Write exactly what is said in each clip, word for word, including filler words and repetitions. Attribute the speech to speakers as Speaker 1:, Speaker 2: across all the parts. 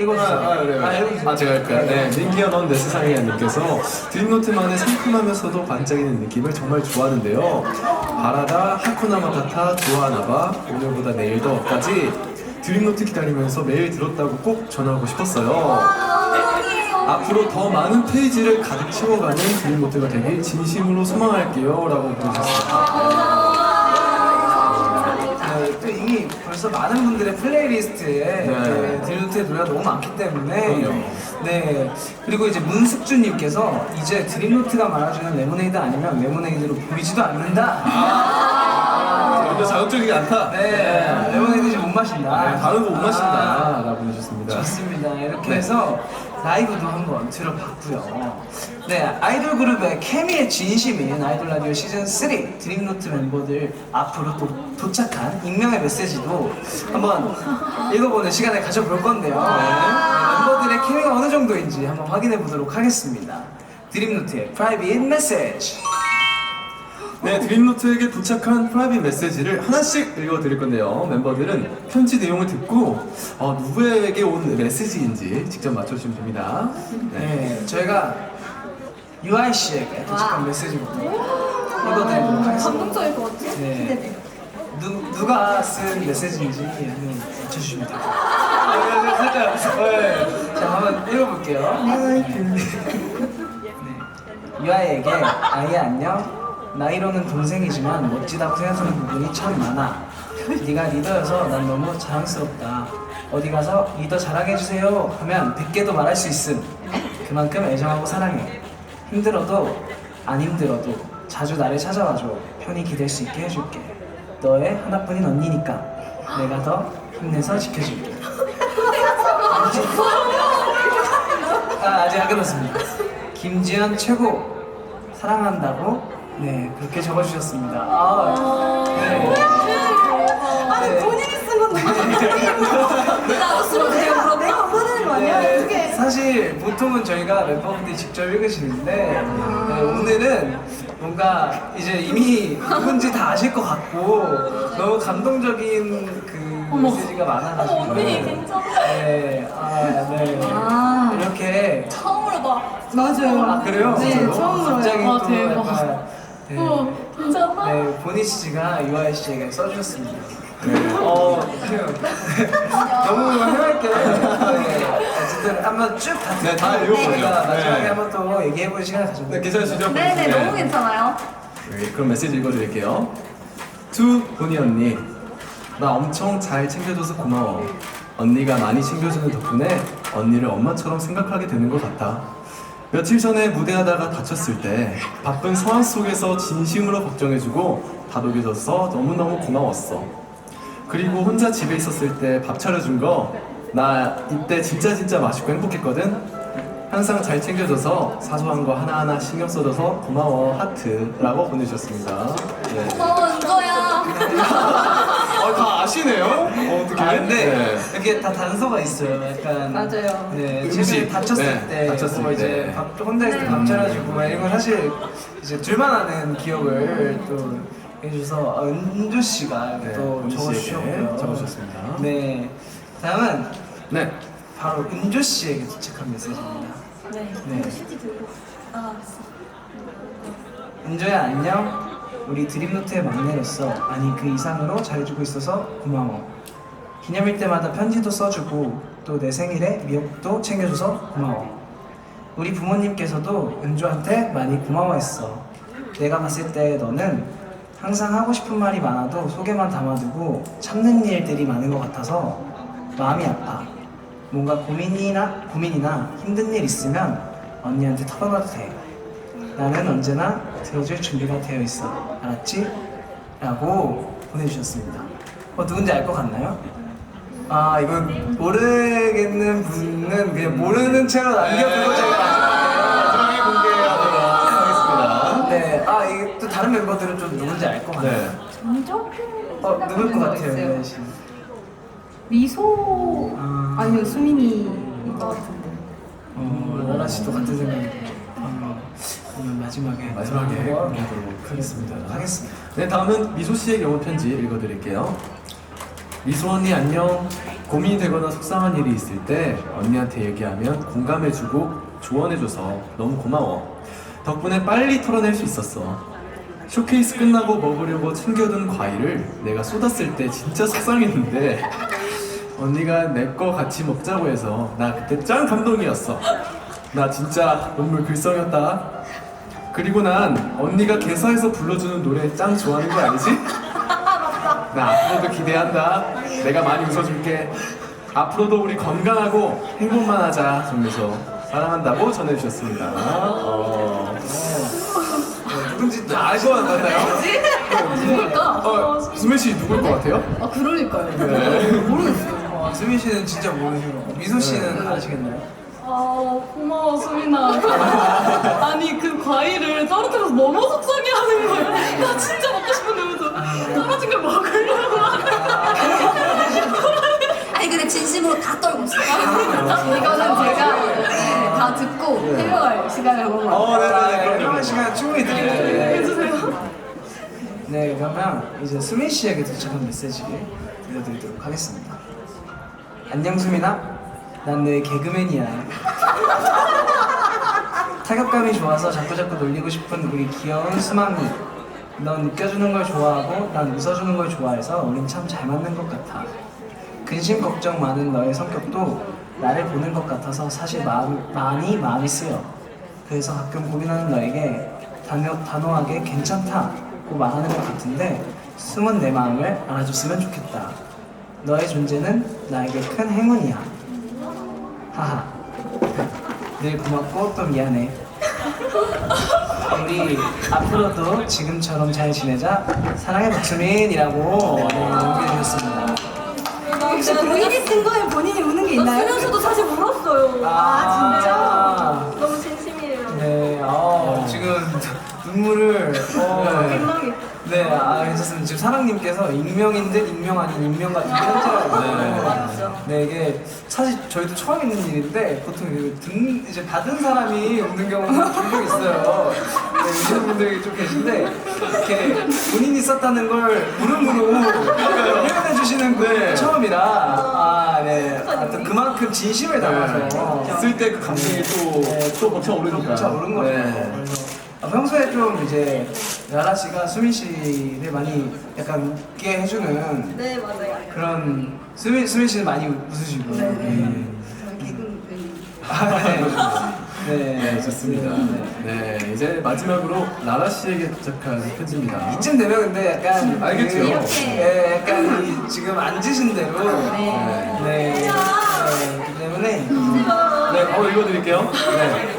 Speaker 1: 읽어주세요.
Speaker 2: 아, 아, 그래요.
Speaker 1: 아, 읽어주세요.
Speaker 2: 아, 제가 할까요? 네, 민기야 넌 내 상이야 님께서 드림노트만의 상큼하면서도 반짝이는 느낌을 정말 좋아하는데요. 바라다, 하쿠나 마타타, 좋아하나봐, 오늘보다 내일 더까지 드림노트 기다리면서 매일 들었다고 꼭 전하고 싶었어요. 앞으로 더 많은 페이지를 가득 채워가는 드림노트가 되길 진심으로 소망할게요 라고 보내주셨습니다.
Speaker 1: 네, 또 이미 벌써 많은 분들의 플레이리스트에
Speaker 2: 네.
Speaker 1: 네, 드림노트의 노래가 너무 많기 때문에
Speaker 2: 그럼요.
Speaker 1: 네, 그리고 이제 문숙주님께서 이제 드림노트가 말아주는 레모네이드 아니면 레모네이드로 보이지도 않는다.
Speaker 2: 아, 먼저 자극적이지 않다.
Speaker 1: 네, 레모네이드 지금 못 마신다.
Speaker 2: 네, 다른 거 못 마신다
Speaker 1: 아,
Speaker 2: 라고 보내주셨습니다.
Speaker 1: 좋습니다. 이렇게
Speaker 2: 네.
Speaker 1: 해서 라이브도 한번 들어봤고요. 네, 아이돌 그룹의 케미의 진심인 아이돌 라디오 시즌 쓰리 드림노트 멤버들 앞으로 또 도착한 익명의 메시지도 한번 읽어보는 시간을 가져볼 건데요. 네, 멤버들의 케미가 어느 정도인지 한번 확인해 보도록 하겠습니다. 드림노트의 프라이빗 메시지.
Speaker 2: 네, 드림노트에게 도착한 프라이빗 메시지를 하나씩 읽어드릴 건데요. 멤버들은 편지 내용을 듣고 어, 누구에게 온 메시지인지 직접 맞춰주시면 됩니다. 네.
Speaker 1: 네, 저희가 유아이 씨에게 도착한 메시지부터 읽어드리도록 하겠습니다.
Speaker 3: 감동적일 것 같아요.
Speaker 1: 네.
Speaker 3: 기대돼.
Speaker 1: 누, 누가 쓴 메시지인지 한번 맞춰주시면 돼요. 아, 살짝, 네. 자, 한번 읽어볼게요. 네. 유아이에게 아이 안녕. 나이로는 동생이지만 멋지다고 생각하는 부분이 참 많아. 네가 리더여서 난 너무 자랑스럽다. 어디 가서 리더 자랑해주세요 하면 백 개도 말할 수 있음. 그만큼 애정하고 사랑해. 힘들어도 안 힘들어도 자주 나를 찾아와줘. 편히 기댈 수 있게 해줄게. 너의 하나뿐인 언니니까 내가 더 힘내서 지켜줄게. 아, 아직 안 끝났습니다. 김지현 최고 사랑한다고 네 그렇게 적어주셨습니다. 아, 네.
Speaker 3: 아니
Speaker 1: 네.
Speaker 3: 본인이 쓴 건데. 나도 쓰면 돼요. 그럼 내가 보내는 거 아니야?
Speaker 1: 네,
Speaker 3: 어떻게?
Speaker 1: 사실 보통은 저희가 멤버분들이 직접 읽으시는데 네, 오늘은 뭔가 이제 이미 누군지 다 아실 것 같고 너무 감동적인 그
Speaker 3: 어머.
Speaker 1: 메시지가 많아가지고
Speaker 3: 어머, 언니, 괜찮아.
Speaker 1: 네, 아, 네.
Speaker 3: 아.
Speaker 1: 이렇게
Speaker 3: 처음으로 봐. 맞아요.
Speaker 1: 아 그래요?
Speaker 3: 네,
Speaker 1: 진짜로?
Speaker 3: 처음으로.
Speaker 1: 갑자기
Speaker 3: 아,
Speaker 1: 또
Speaker 3: 대박.
Speaker 1: 약간 네,
Speaker 3: 어, 괜찮아?
Speaker 1: 네, 보니 씨가 유아이 씨에게 써주셨습니다. 어, 그래요. 너무 해맑게. 네, 어쨌든 한번 쭉 다
Speaker 2: 네, 다 읽어보죠.
Speaker 1: 마지막에
Speaker 2: 네.
Speaker 1: 한번 또 얘기해보는 시간을
Speaker 2: 네,
Speaker 1: 가져볼게요.
Speaker 2: 괜찮으시죠?
Speaker 3: 네네, 너무 괜찮아요.
Speaker 2: 네, 그럼 메시지 읽어드릴게요. 투 보니 언니, 나 엄청 잘 챙겨줘서 고마워. 언니가 많이 챙겨주는 덕분에 언니를 엄마처럼 생각하게 되는 것 같아. 며칠 전에 무대하다가 다쳤을 때 바쁜 상황 속에서 진심으로 걱정해주고 다독여줘서 너무너무 고마웠어. 그리고 혼자 집에 있었을 때 밥 차려준 거 나 이때 진짜 진짜 맛있고 행복했거든. 항상 잘 챙겨줘서 사소한 거 하나하나 신경 써줘서 고마워 하트라고 보내주셨습니다. 네.
Speaker 3: 고마워, 은거야.
Speaker 2: 아, 다 아시네요? 어, 어떻게?
Speaker 1: 아, 근데 이렇게 다 단서가 있어요. 약간
Speaker 3: 맞아요.
Speaker 1: 네,
Speaker 2: 음식.
Speaker 1: 최근에 다쳤을
Speaker 2: 네,
Speaker 1: 때,
Speaker 2: 다쳤을
Speaker 1: 뭐 이제
Speaker 2: 때.
Speaker 1: 밥 혼자 있을 때 밥 차려주고 막 이런 건 사실 이제 둘만 아는 기억을 또 해주셔서 아, 은주 씨가
Speaker 2: 네,
Speaker 1: 또
Speaker 2: 은주 씨에게
Speaker 1: 적어주셨고요.
Speaker 2: 적어주셨습니다.
Speaker 1: 네, 다음은
Speaker 2: 네.
Speaker 1: 바로 은주 씨에게 도착한 메시지입니다.
Speaker 3: 네.
Speaker 1: 네.
Speaker 3: 시지 들고. 아, 알았어.
Speaker 1: 은주야 안녕. 우리 드림노트의 막내로서 아니 그 이상으로 잘해주고 있어서 고마워. 기념일 때마다 편지도 써주고 또 내 생일에 미역도 챙겨줘서 고마워. 우리 부모님께서도 은주한테 많이 고마워했어. 내가 봤을 때 너는 항상 하고 싶은 말이 많아도 속에만 담아두고 참는 일들이 많은 것 같아서 마음이 아파. 뭔가 고민이나 고민이나 힘든 일 있으면 언니한테 털어놔도 돼. 나는 언제나 들어줄 준비가 되어 있어. 알았지? 라고 보내주셨습니다. 어, 누군지 알 것 같나요? 아, 이건 모르겠는 분은 그냥 모르는 채로 남겨두고 제가
Speaker 2: 마지막에 공개하도록 하겠습니다.
Speaker 1: 네, 아, 이게 또 다른 멤버들은 좀 누군지 알 것 같나요?
Speaker 2: 네.
Speaker 3: 정적?
Speaker 1: 어, 누굴 것 같아요, 유아이 씨?
Speaker 3: 미소
Speaker 1: 아.
Speaker 3: 아니면 수민이인 것 같은데.
Speaker 1: 어, 라라 씨도 같은 생각이에요. 어, 그러면 마지막에
Speaker 2: 마지막에
Speaker 1: 한번
Speaker 2: 공개하도록 하겠습니다.
Speaker 1: 하겠습니다.
Speaker 2: 네, 다음은 미소 씨의 영어 편지 읽어드릴게요. 미소 언니 안녕. 고민이 되거나 속상한 일이 있을 때 언니한테 얘기하면 공감해주고 조언해줘서 너무 고마워. 덕분에 빨리 털어낼 수 있었어. 쇼케이스 끝나고 먹으려고 챙겨둔 과일을 내가 쏟았을 때 진짜 속상했는데 언니가 내 거 같이 먹자고 해서 나 그때 짱 감동이었어. 나 진짜 눈물 글썽였다. 그리고 난 언니가 개사에서 불러주는 노래 짱 좋아하는 거 알지? 나 앞으로도 기대한다. 내가 많이 웃어줄게. 앞으로도 우리 건강하고 행복만 하자. 점에서 사랑한다고 전해주셨습니다. 어...
Speaker 1: 네, 누군지
Speaker 2: 다 알 것 같나요?
Speaker 3: 누굴까?
Speaker 2: 어, 수민 씨 누굴 것 같아요?
Speaker 3: 아 그러니까요.
Speaker 2: 네.
Speaker 3: 모르겠어요.
Speaker 1: 어, 수민 씨는 진짜 모르시고 미소 씨는 아시겠나요?
Speaker 3: 아 고마워 수민아. 아니 그 과일을 떨어뜨려서 너무 속상해하는 거야. 나 진짜 먹고 싶은데 왜 떨어진 걸 먹으려고
Speaker 4: 아니 근데 진심으로 다 떨고 있어요. 이거는 제가 네, 다 듣고 해명할 시간을 한번
Speaker 2: 어, 네네네.
Speaker 1: 아,
Speaker 2: 그럼요.
Speaker 1: 그런 시간 충분히 드릴게요.
Speaker 3: 해주세요.
Speaker 1: 네, 그러면 이제 수민 씨에게 도착한 메시지를 들려드리도록 하겠습니다. 안녕 수민아, 난 너의 개그맨이야. 타격감이 좋아서 자꾸자꾸 놀리고 싶은 우리 귀여운 수망이. 넌 웃겨주는 걸 좋아하고 난 웃어주는 걸 좋아해서 우린 참 잘 맞는 것 같아. 근심 걱정 많은 너의 성격도 나를 보는 것 같아서 사실 마음, 많이 마음이 쓰여. 그래서 가끔 고민하는 너에게 단호, 단호하게 괜찮다고 말하는 것 같은데 숨은 내 마음을 알아줬으면 좋겠다. 너의 존재는 나에게 큰 행운이야. 하하. 늘 고맙고 또 미안해. 우리 앞으로도 지금처럼 잘 지내자. 사랑해 박수민이라고 네, 남겨주셨습니다.
Speaker 4: 혹시 본인이 쓴 거에 본인이 우는 게 있나요?
Speaker 3: 수면수도 사실 울었어요.
Speaker 1: 아,
Speaker 3: 너무 진심이에요.
Speaker 1: 네, 어, 지금 눈물을 어,
Speaker 3: 민망해.
Speaker 1: 네, 아, 괜찮습니다. 지금 사랑님께서 익명인 듯 익명 아닌 익명 같은 편지라고.
Speaker 3: 맞죠.
Speaker 1: 네, 이게 사실 저희도 처음 있는 일인데 보통 그 듣는 이제 받은 사람이 웃는 경우가 종종 있어요. 네, 우시는 분들이 좀 계신데 이렇게 본인이 썼다는 걸 무릎으로 표현해 주시는 분 처음이라 아, 네, 하여튼 그만큼 진심을 담아서
Speaker 2: 쓸 때 그 감정이 또또 벅차오르니까.
Speaker 1: 벅차오른 거죠.
Speaker 2: 네.
Speaker 1: 그래서 아, 평소에 좀 이제 라라 씨가 수민 씨를 많이 약간 웃게 해주는
Speaker 3: 네 맞아요.
Speaker 1: 그런 수민 수민 씨는 많이 웃으시고.
Speaker 3: 네.
Speaker 1: 음. 아, 네. 네.
Speaker 2: 네, 좋습니다.
Speaker 1: 네.
Speaker 2: 네, 이제 마지막으로 라라 씨에게 도착한 편지입니다.
Speaker 1: 이쯤 되면 근데 약간
Speaker 2: 알겠죠?
Speaker 1: 그,
Speaker 4: 이렇게.
Speaker 1: 네, 약간 이 지금 앉으신 대로 네. 네. 네. 그렇기 때문에
Speaker 2: 네, 어 읽어드릴게요. 네.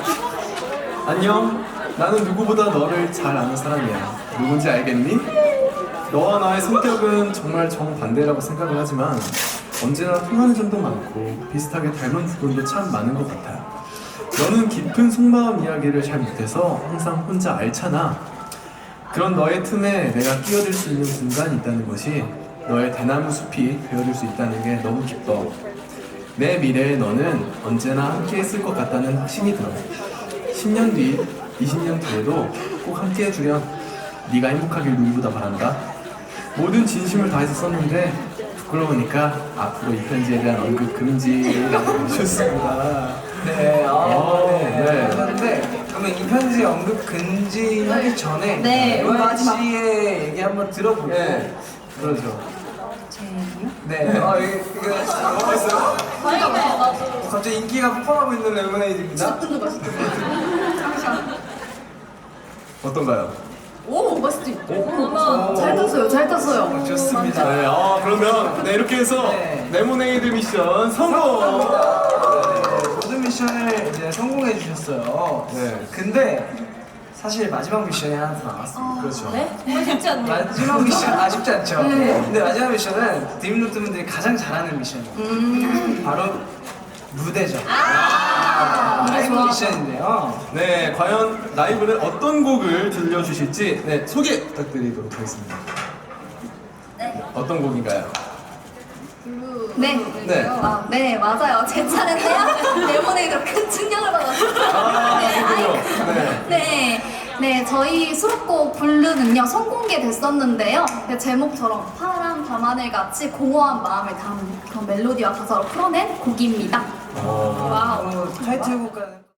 Speaker 2: 안녕. 나는 누구보다 너를 잘 아는 사람이야. 누군지 알겠니? 너와 나의 성격은 정말 정반대라고 생각을 하지만 언제나 통하는 점도 많고 비슷하게 닮은 부분도 참 많은 것 같아. 너는 깊은 속마음 이야기를 잘 못해서 항상 혼자 앓잖아. 그런 너의 틈에 내가 끼어들 수 있는 공간이 있다는 것이 너의 대나무 숲이 되어줄 수 있다는 게 너무 기뻐. 내 미래의 너는 언제나 함께 했을 것 같다는 확신이 들어. 십 년 뒤, 이십 년 뒤에도 꼭 함께 해주렴. 네가 행복하길 누구보다 바란다. 모든 진심을 다해서 썼는데 부끄러우니까 앞으로 이 편지에 대한 언급 금지라고 해주셨습니다.
Speaker 1: 네, 아,
Speaker 2: 오,
Speaker 1: 네.
Speaker 2: 네.
Speaker 1: 그런데 그러면 이 편지 언급 금지하기 전에
Speaker 4: 네,
Speaker 1: 로아
Speaker 4: 마지막.
Speaker 1: 씨의 얘기 한번 들어보고
Speaker 2: 네, 그러죠.
Speaker 4: 제 얘기요?
Speaker 1: 네, 어, 이게 이게 뭐가 있어요?
Speaker 3: 아니요 나도.
Speaker 1: 갑자기 인기가 폭발하고 있는 레모네이드입니다.
Speaker 2: 어떤가요?
Speaker 4: 오 맛있지?
Speaker 1: 오.
Speaker 4: 잘 탔어요, 잘 탔어요.
Speaker 1: 좋습니다.
Speaker 2: 네, 어, 그러면 네, 이렇게 해서
Speaker 1: 네.
Speaker 2: 레모네이드 미션 성공!
Speaker 1: 네, 모든 미션을 이제 성공해 주셨어요.
Speaker 2: 네.
Speaker 1: 근데 사실 마지막 미션이 하나 더 남았습니다.
Speaker 2: 그렇죠.
Speaker 3: 네? 정말 쉽지 않네요.
Speaker 1: 마지막 미션 아쉽지 않죠?
Speaker 4: 네.
Speaker 1: 근데 마지막 미션은 드림노트 분들이 가장 잘하는 미션이에요.
Speaker 4: 음.
Speaker 1: 바로 무대죠.
Speaker 4: 아,
Speaker 1: 라이브
Speaker 4: 좋아.
Speaker 1: 미션인데요.
Speaker 2: 네, 과연 라이브는 어떤 곡을 들려주실지 네, 소개 부탁드리도록 하겠습니다. 어떤 곡인가요?
Speaker 4: 네.
Speaker 2: 네.
Speaker 4: 아, 네, 맞아요. 제 차례인데요. 레모네이드로 큰 충격을 받았어요.
Speaker 2: 아,
Speaker 4: 네,
Speaker 2: 그렇군요. 네.
Speaker 4: 네. 네, 저희 수록곡 블루는요, 선공개됐었는데요. 네, 제목처럼 파란 진한 밤하늘 같이 공허한 마음을 담은 그런 멜로디와 가사로 풀어낸 곡입니다. 와우.
Speaker 1: 어, 타이틀곡과는